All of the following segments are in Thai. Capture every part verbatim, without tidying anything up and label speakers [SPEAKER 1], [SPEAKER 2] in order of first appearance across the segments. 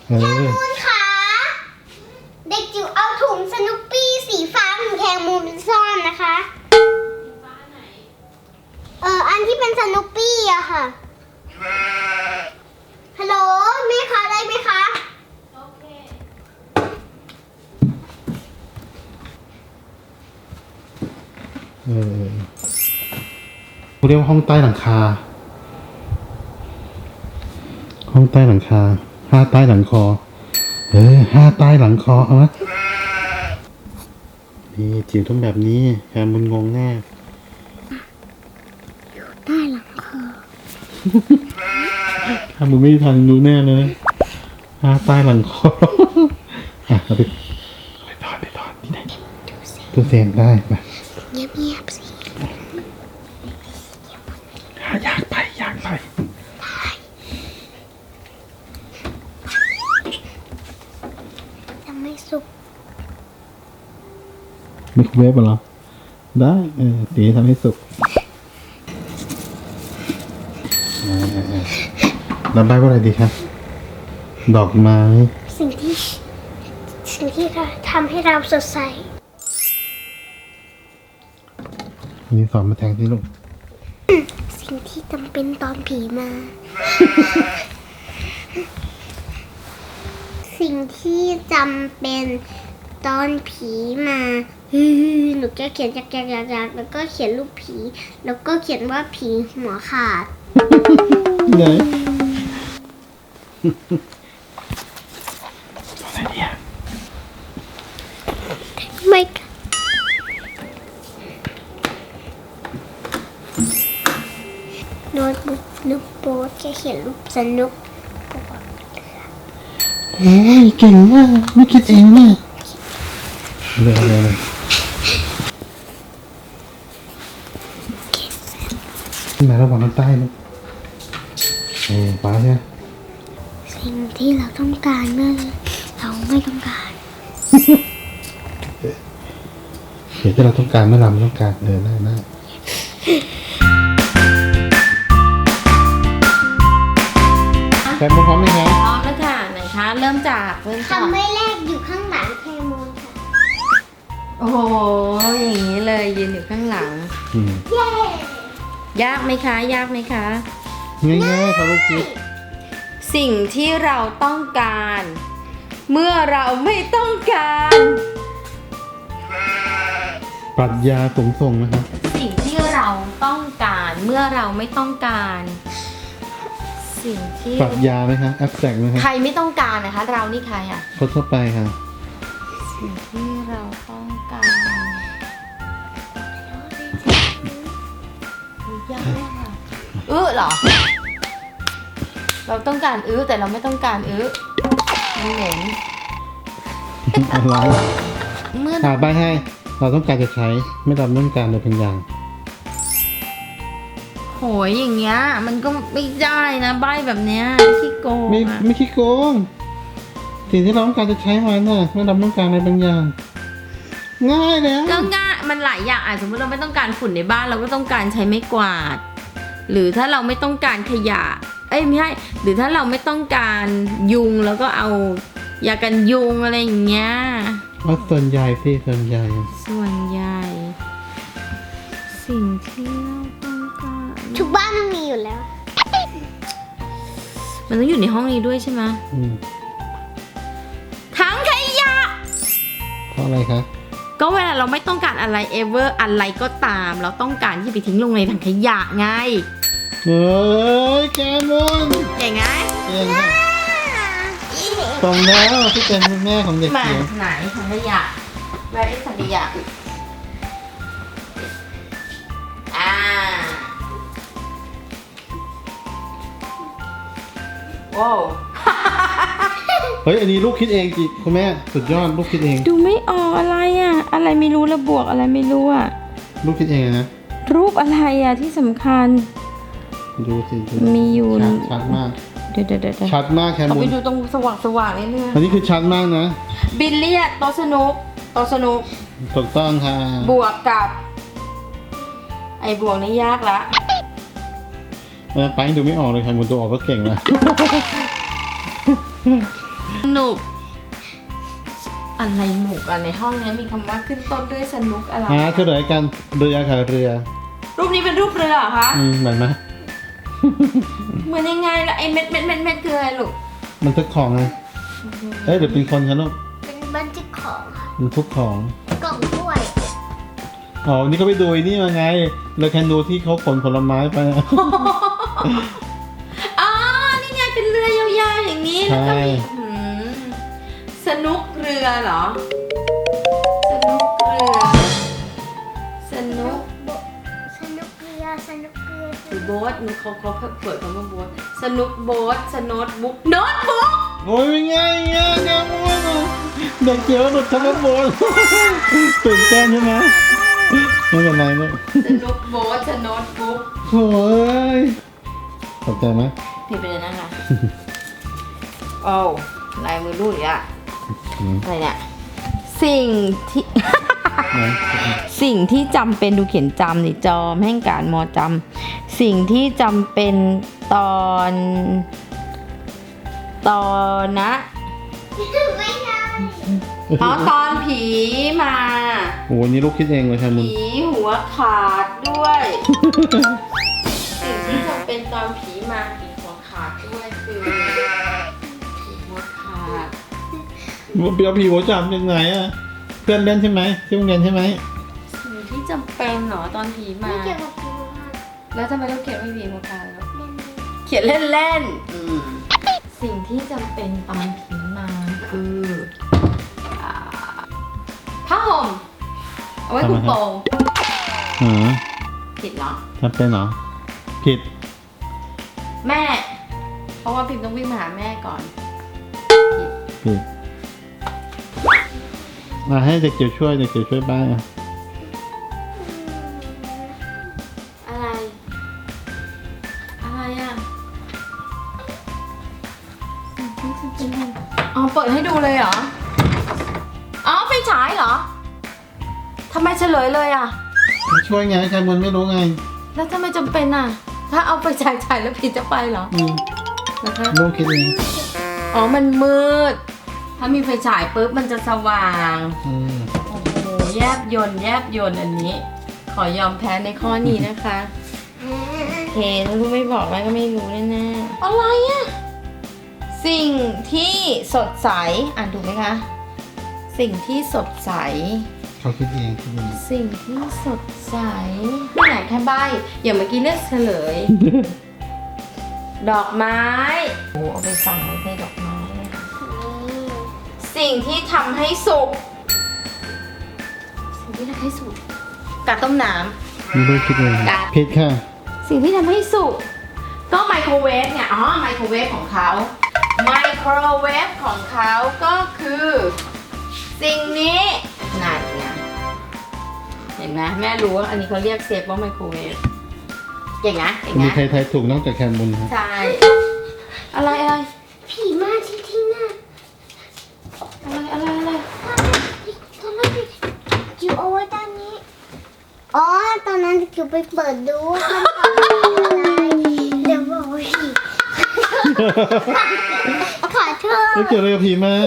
[SPEAKER 1] เออ
[SPEAKER 2] มูนค่ะเด็กจิ๋วเอาถุงสนุปปี้สีฟ้าของแคมูนไปซ่อนนะคะเอออันที่เป็นสนุปปี้อะค่ะฮัลโหลแม่คะได้ไหมคะโอเค
[SPEAKER 1] เออเขาเรียกว่าห้องใต้หลังคาห้องใต้หลังคาห้าใต้หลังคอเออห้าใต้หลังคอเอาไหมนี่จิ๋วต้องแบบนี้แคมุนงงแน่
[SPEAKER 2] อยู่ใต้หลังคอ
[SPEAKER 1] ถ้ามึงไม่ทันรู้แน่เลยห้าใต้หลังคออ่ะเอาไปไปถอดไปถอดที่ไหนตัวเสียงได้ไป
[SPEAKER 2] เงียบๆสิ
[SPEAKER 1] อยากไปอยากไป
[SPEAKER 2] ยังไม่สุก
[SPEAKER 1] ไมโครเวฟเหรอได้เออตีทำให้สุกเออเออเออแล้วใบว่าอะไรดีครับดอกไม้
[SPEAKER 2] สิ่งที่สิ่งที่ทำให้เราสดใส
[SPEAKER 1] นี่สอนมาแทงที่ลูก
[SPEAKER 2] สิ่งที่จำเป็นตอนผีมา สิ่งที่จำเป็นตอนผีมาฮึ่มหนูจะเขียนจากจากจากจากแล้วก็เขียนรูปผี แล้วก็เขียนว่าผีหัวขาด
[SPEAKER 1] ไหนอะไรเนี่ย
[SPEAKER 2] ไม่โน้ตบุ๊กนุกโป๊ตแค่เขียนรูปสนุก
[SPEAKER 1] โอ้ยเก่งมากไม่คิดเองเนี่ยเลยเลยเลยขึ้นมาระหว่างข้างใต้ลูกเออป้าใช่ไหม
[SPEAKER 2] สิ่งที่เราต้องการเมื่อเราไม่ต้องการ
[SPEAKER 1] เดี๋ยวที่เราต้องการเมื่อเราไม่ต้องการเออได้ได้แคมุนพร้อมไหมครับ
[SPEAKER 3] พร้อมแล้วค่ะไหนคะเริ่มจากเริ่มจาก
[SPEAKER 2] คำไม่แรกอยู่ข้างหลังแคมูนค่ะ
[SPEAKER 3] โอ้โหอย่างนี้เลยยืนอยู่ข้างหลัง
[SPEAKER 1] อืม
[SPEAKER 2] เย้
[SPEAKER 3] ยากไหมคะ ยากไหมคะ
[SPEAKER 1] ง่ายๆครับลูกคิด
[SPEAKER 3] สิ่งที่เราต้องการ เมื่อเราไม่ต้องการ
[SPEAKER 1] ปรัชญาสูงส่งนะครับ
[SPEAKER 3] สิ่งที่เราต้องการเมื่อเราไม่ต้องการ สิ่งที่
[SPEAKER 1] ปรัชญาไหมครับแอบแตกไหมครับ
[SPEAKER 3] ใครไม่ต้องการนะคะ เรานี่ใครอ่ะ
[SPEAKER 1] คนทั่วไปค่ะ
[SPEAKER 3] สิ่งที่เราต้องการยากมากอะอื้อเหรอ เราต้องการอื้อแต่เราไม่ต้องการอื้อมันเหม็น
[SPEAKER 1] อะไร
[SPEAKER 3] เมื่อ
[SPEAKER 1] อ่าใบให้ เราต้องการจะใช้ ไม่เราไม่ต้องการเลยเป็นอย่าง
[SPEAKER 3] โหยอย่างเงี้ยมันก็ไม่ได้นะใบแบบเนี้ยขี้โกง
[SPEAKER 1] ไม่
[SPEAKER 3] อะ
[SPEAKER 1] ไม่คิดโกง สิ่งที่เราต้องการจะใช้มันน่ะไม่เราต้องการอะไรบางอย่าง ง่ายแล้ว
[SPEAKER 3] ก็ง่ายมันหลายอย่างอ่ะสมมติเราไม่ต้องการฝุ่นในบ้านเราก็ต้องการใช้ไม้กวาด หรือถ้าเราไม่ต้องการขยะ เอ้ยไม่ใช่หรือถ้าเราไม่ต้องการยุงแล้วก็เอายากันยุงอะไรอย่างเงี้ย
[SPEAKER 1] ว่าส่วนใหญ่สิส่วนใหญ่
[SPEAKER 3] ส่วนใหญ่ สิ่งที่เราต้องการ
[SPEAKER 2] ทุกบ้านมันมีอยู่แล้ว
[SPEAKER 3] มันต้องอยู่ในห้องนี้ด้วยใช่ไหม
[SPEAKER 1] อืม
[SPEAKER 3] ถังขยะ
[SPEAKER 1] เพราะอะไรคะ
[SPEAKER 3] ก็เวลาเราไม่ต้องการอะไร ever อะไรก็ตาม เราต้องการที่ไปทิ้งลงในถังขยะไง
[SPEAKER 1] เฮ้ยแกมุน
[SPEAKER 3] เก่งไง
[SPEAKER 1] เก่งค่ะตรงแล้วที่เป็นแม่ของเด็ก
[SPEAKER 3] มา
[SPEAKER 1] เขียว
[SPEAKER 3] ไหนถังขยะ where is ถังขยะอ่าว้าว
[SPEAKER 1] เฮ้ยอันนี้ลูกคิดเองจิคุณแม่สุดยอดลูกคิดเอง
[SPEAKER 3] ดูไม่ออกอะไรอ่ะ อะไรไม่รู้ระบวกอะไรไม่รู้อ่ะ
[SPEAKER 1] ลูกคิดเองนะ
[SPEAKER 3] รูปอะไรอ่ะที่สำคัญ
[SPEAKER 1] ดูสิดู
[SPEAKER 3] มีอยู่
[SPEAKER 1] ชัดชัดมาก
[SPEAKER 3] เดี๋ยวเดี๋ยวเดี๋ยว
[SPEAKER 1] ชัดมากแค
[SPEAKER 3] เอา
[SPEAKER 1] มุ
[SPEAKER 3] ไป
[SPEAKER 1] น
[SPEAKER 3] ดูตรงสว่างสว่างนิดนึง
[SPEAKER 1] อันนี้คือชัดมากนะ
[SPEAKER 3] บิลเลียดโต๊ะสนุกโต๊ะสนุก
[SPEAKER 1] ถูกต้องค่ะ
[SPEAKER 3] บวกกับ ไอ้บวกนี่ยากละ
[SPEAKER 1] เออไปดูไม่ออกเลยแคมุนตัวออกก็เก่งนะ
[SPEAKER 3] นุกอะไรหมุกอะในห้องนี้มีคำว่าขึ้นต้นด้วยสนุกอะไร
[SPEAKER 1] อ่าเฉลยกันเรือค่ะเรือ
[SPEAKER 3] รูปนี้เป็นรูปเรือเหรอคะ
[SPEAKER 1] อืมเหมือนไหม
[SPEAKER 3] เหมือนยังไงล่ะไอเม็ดเม็ดเม็ดเม็ดคืออะไรลูก
[SPEAKER 1] มันทุกของไงเอ้ยเดี๋ยวเป็นคนคะลูก
[SPEAKER 2] เป็นบันทึกของค่ะ
[SPEAKER 1] มันทุกของ
[SPEAKER 2] กล่องถ้วย
[SPEAKER 1] อ๋อนี่ก็ไปดูไอ้นี่มาไงเราแคนดูที่เขาขนผลไม้ไป
[SPEAKER 3] อ๋อนี่ไงเป็นเรือยาวๆอย่างนี้แล้วก็มีอืมสนุกเรือเหรอสนุกเรือสนุก
[SPEAKER 2] สนุกเรือสนุกเรือ
[SPEAKER 3] หรือโบ๊ทหนูเขาเขาเปิดคำว่าโบ๊ทสนุกโบ๊ทสโนตบุ๊กโน้ตบุ๊ก
[SPEAKER 1] โอ้ยเป็นไงเงี้ยแกมวนเด็กเจียวหลุดคำว่าโบน ตื่นเต้นใช่ไหมไม่เป็นไรลูก
[SPEAKER 3] สนุกโบ๊ทสโนตบุ๊ก
[SPEAKER 1] โอ้ยตกใจไหม
[SPEAKER 3] พี่ไปเลยนะคะโอ้ลายมือรูดอีกอะอะไรเนี่ยสิ่งที่ สิ่งที่จำเป็นดูเขียนจำนี่จอมแห่งการมอจำสิ่งที่จำเป็นตอนตอนนะ
[SPEAKER 2] ไม่ได้
[SPEAKER 3] อ๋อตอนผีมา
[SPEAKER 1] โอ้นี่ลูกคิดเองเลยค่ะมึง
[SPEAKER 3] ผีหัวขาดด้วย สิ่งที่จำเป็นตอนผีมาผีหัวขาดด้วยคือผีหัวขาด
[SPEAKER 1] เปียวผีหัวจำยังไงอะเพื่อนเล่นใช่ไหมที่โรงเรียนใช่ไหม
[SPEAKER 3] สิ่งที่จำเป็นเหรอตอนผีมา
[SPEAKER 2] ไม่เกี่ยวกับผีค่ะ
[SPEAKER 3] แล้วทำไมต้องเขียนว่าผีหัวขาดแล้ว
[SPEAKER 2] เล่น
[SPEAKER 3] เขียนเล่นๆสิ่งที่จำเป็นตอนผีมาคืออ่าผ้าห่มเอาไว้คลุมโปง
[SPEAKER 1] อ๋อ
[SPEAKER 3] ผิดเหรอ
[SPEAKER 1] จำเป็นเหรอผิด
[SPEAKER 3] แม่ เพราะว่าพิมพ์ต้องวิ่งมาหาแม่ก่อน
[SPEAKER 1] ผิดมาให้เด็กเกี่ยวช่วยเด็กเกี่ยวช่วยบ้างอะ
[SPEAKER 3] อะไร อะไรอ่ะสิ่งที่จำเป็นอ๋อเปิดให้ดูเลยเหรอ อ๋อไฟฉายเหรอทำไมเฉลยเลยอ่ะ
[SPEAKER 1] ช่วยไงใครมันไม่รู้ไง
[SPEAKER 3] แล้วทำไมจำเป็นอ่ะ ถ้าเอาไปฉายฉายแล้วผิดจะไปเหรอ
[SPEAKER 1] อืม
[SPEAKER 3] นะคะ
[SPEAKER 1] ลูกคิดเอง
[SPEAKER 3] อ๋อ มันมืด ถ้ามีไฟฉายปุ๊บมันจะสว่าง
[SPEAKER 1] อืม
[SPEAKER 3] โอ้โห แยบยนต์แยบยนต์อันนี้ ขอยอมแพ้ในข้อนี้นะคะ โอเคถ้าลูกไม่บอกแม่ก็ไม่รู้แน่ๆอะไรอะสิ่งที่สดใส อ่านถูกไหมคะ สิ่งที่สดใส
[SPEAKER 1] เขาคิดเองคิดเอง
[SPEAKER 3] สิ่งที่สดใสที่ไหนแค่ใบอย่างเมื่อกี้เลือกเฉลย ดอกไม้โอ้เอาไปฝังไว้ในดอกไม้นะคะสิ่งที่ทำให้สุก สิ่งที่ทำให้สุกกาต้มน้
[SPEAKER 1] นี่ลูกคิดเอง
[SPEAKER 3] จ้ะ
[SPEAKER 1] ผิดค่ะ
[SPEAKER 3] ำสิ่งที่ทำให้สุก ก็ไมโครเวฟเนี่ยอ๋อไมโครเวฟของเขาไมโครเวฟของเขาก็คือ สิ่งนี้นั่นไงเห็นไหมแม่รู้ว่าอันนี้เขาเรียกเซฟว่าไมโครเวฟเก่งนะเก่ง
[SPEAKER 1] มี
[SPEAKER 3] นะ
[SPEAKER 1] ใครทายถูกนอกจากแคนบุญครับ
[SPEAKER 3] ใช่ อะไรอะไร
[SPEAKER 2] ผีมาที่ที่หน้า
[SPEAKER 3] อะไรอะไรอะไร
[SPEAKER 2] ตอนนั้นจิ๋วเอาไว้ด้านนี้ อ๋อ ตอนนั้นจิ๋วไปเปิดดูว่ามันทำอะไรเดี๋ยวบอกว่าผีขอโทษ
[SPEAKER 1] แล้วเกี่ยวอะไรกับผีมา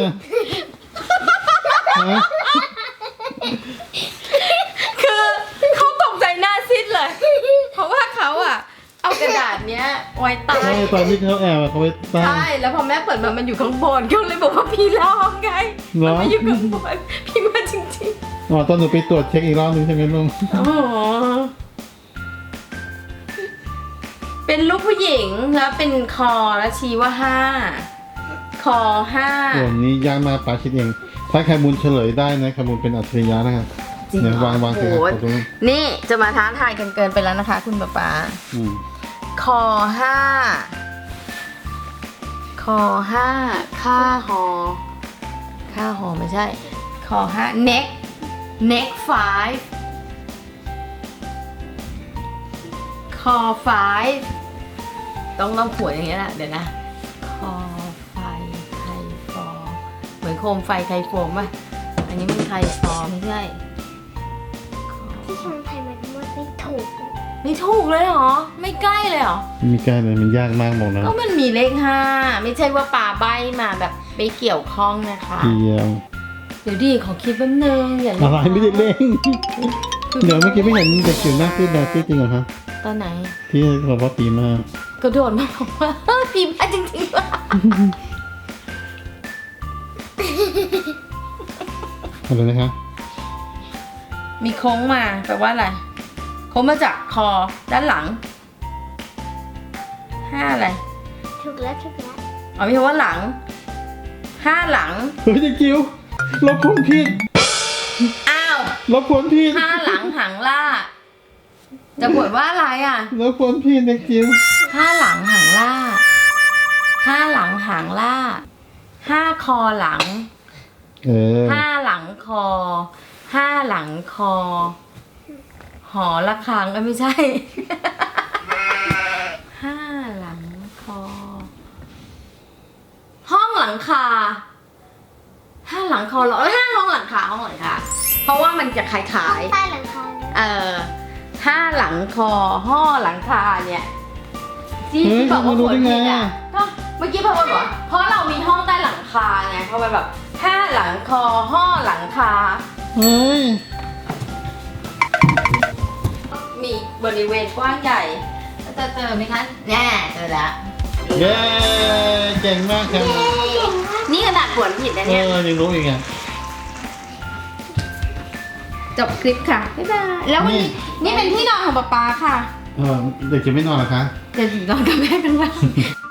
[SPEAKER 1] ฮะ
[SPEAKER 3] คือเขาตกใจหน้าซิดเลย เพราะว่าเขาอะเอากระดาษเนี้ยไว้ใต้
[SPEAKER 1] ใช่ตอนที่เขาแอบอะเขาไปตั้ง
[SPEAKER 3] ใช่ แล้วพอแม่เปิดมามันอยู่ข้างบนก็เลยบอกว่าพี่ร้องไง
[SPEAKER 1] เหรอ
[SPEAKER 3] มันไม่อยู่ข้างบนพี่มาจริง
[SPEAKER 1] อ๋อตอนหนูไปตรวจเช็คอีกรอบนึงใช่ไหมลุง
[SPEAKER 3] ๆ โอ้โหเป็นรูปผู้หญิงแล้วเป็นคอแล้วชี้ว่าห้า คอห้า
[SPEAKER 1] ส่วนนี้ยากมากป้าคิดเอง ถ้าแคนบุญเฉลยได้นะแคนบุญเป็นอัจฉริยะนะครับ
[SPEAKER 3] จริง
[SPEAKER 1] เนี่
[SPEAKER 3] เห
[SPEAKER 1] ย
[SPEAKER 3] รอ
[SPEAKER 1] วางวางสิ
[SPEAKER 3] โอ้
[SPEAKER 1] ครับ
[SPEAKER 3] โห
[SPEAKER 1] ขอบคุณ
[SPEAKER 3] นี่จะมาท้าทายกันเกินไปแล้วนะคะ คุณป๊าป๊า
[SPEAKER 1] อืม
[SPEAKER 3] คอห้า คอห้า ค่าหอ ค่าหอไม่ใช่ คอห้า neck neck five คอ five ต้องต้องขวนอย่างเงี้ยแหละเดี๋ยวนะ คอไฟไข่ฟอเหมือนโคมไฟไข่โฟมป่ะ อันนี้มันไข่ฟอไม่ใช่
[SPEAKER 2] ที่ชมไทยมันว่าไม่ถูก
[SPEAKER 3] ไม่ถูกเลยเหรอ ไม่ใกล้เลยเหรอ
[SPEAKER 1] ไม่มีใกล้เลยมันยากมากบอกนะ
[SPEAKER 3] ก็มันมีเลขห้าไม่ใช่ว่าป่าใบมาแบบไปเกี่ยวข้องนะคะ
[SPEAKER 1] เกี่ยว
[SPEAKER 3] เดี๋ยวดิขอคิดแป๊บนึงอย่า
[SPEAKER 1] อะไรไม่ได้เล่นเดี๋ยวเมื่อกี้ไม่เห็นเด็กจิ๋วหน้าซีดดาซีดจริงเหรอคะ
[SPEAKER 3] ตอนไหน
[SPEAKER 1] ที่บอกว่าปีมาก
[SPEAKER 3] กระโดดมาบอกว่า ปีมาจริงๆว่ะ
[SPEAKER 1] อะไรนะคะ
[SPEAKER 3] มีโค้งมาแปลว่าอะไรโค้งมาจากคอด้านหลังห้าอะไร
[SPEAKER 2] ถูกแล้วถูกแล้ว
[SPEAKER 3] อ๋อมีคำว่าหลังห้าหลัง
[SPEAKER 1] เฮ้ยเด็กจิ๋วลบผลผิด
[SPEAKER 3] อ้าว
[SPEAKER 1] ลบผลผิด
[SPEAKER 3] ห้าหลังหางล่าจะบทว่าอะไรอ่ะ
[SPEAKER 1] ลบผลผิดเด็กจิ๋ว
[SPEAKER 3] ห้าหลังหางล่าห้าหลังหางล่าห้าคอหลัง
[SPEAKER 1] เออ
[SPEAKER 3] ห้าหลังคอห้าหลังคอ หอระฆังเอ้ยไม่ใช่ ห้าหลังคอ ห้องหลังคาห้าหลังคอเหรอเอ้ยห้าห้องหลังคาห้องหลังคาเพราะว่ามันจะขายขาย
[SPEAKER 2] ใต้หลังคาเลย
[SPEAKER 3] เออห้าหลังคอห้อหลังคาเนี่ยที่
[SPEAKER 1] เฮ้ย
[SPEAKER 3] ที่บอกว่า
[SPEAKER 1] รู้
[SPEAKER 3] ฝน
[SPEAKER 1] ได้ไง
[SPEAKER 3] ผิดอ่ะ
[SPEAKER 1] อ่ะ
[SPEAKER 3] ก็เมื่อกี้พอบอกว่าเพราะเรามีห้องใต้หลังคาไงเพราะมันแบบห้าหลังคอห้อหลังคา
[SPEAKER 1] เฮ้ย
[SPEAKER 3] มีบริเวณกว้างใหญ่จะเจอไหมคะแน่เจอแล้ว
[SPEAKER 1] เย้เก่งมากครับ
[SPEAKER 3] นี่ขนาดฝนผิดนะ
[SPEAKER 1] เอ
[SPEAKER 3] เนี่ย
[SPEAKER 1] อยังรู้อีกอ่ะ
[SPEAKER 3] จบคลิปค่ะบ๊ายบายแล้ววันนี้นี่เป็นที่นอนของป๊าป๊าค่ะ
[SPEAKER 1] เออเด็กจิ๋วไม่นอนเหรอคะ
[SPEAKER 3] เดี๋ยวถึงนอนกับแม่กันบ้าง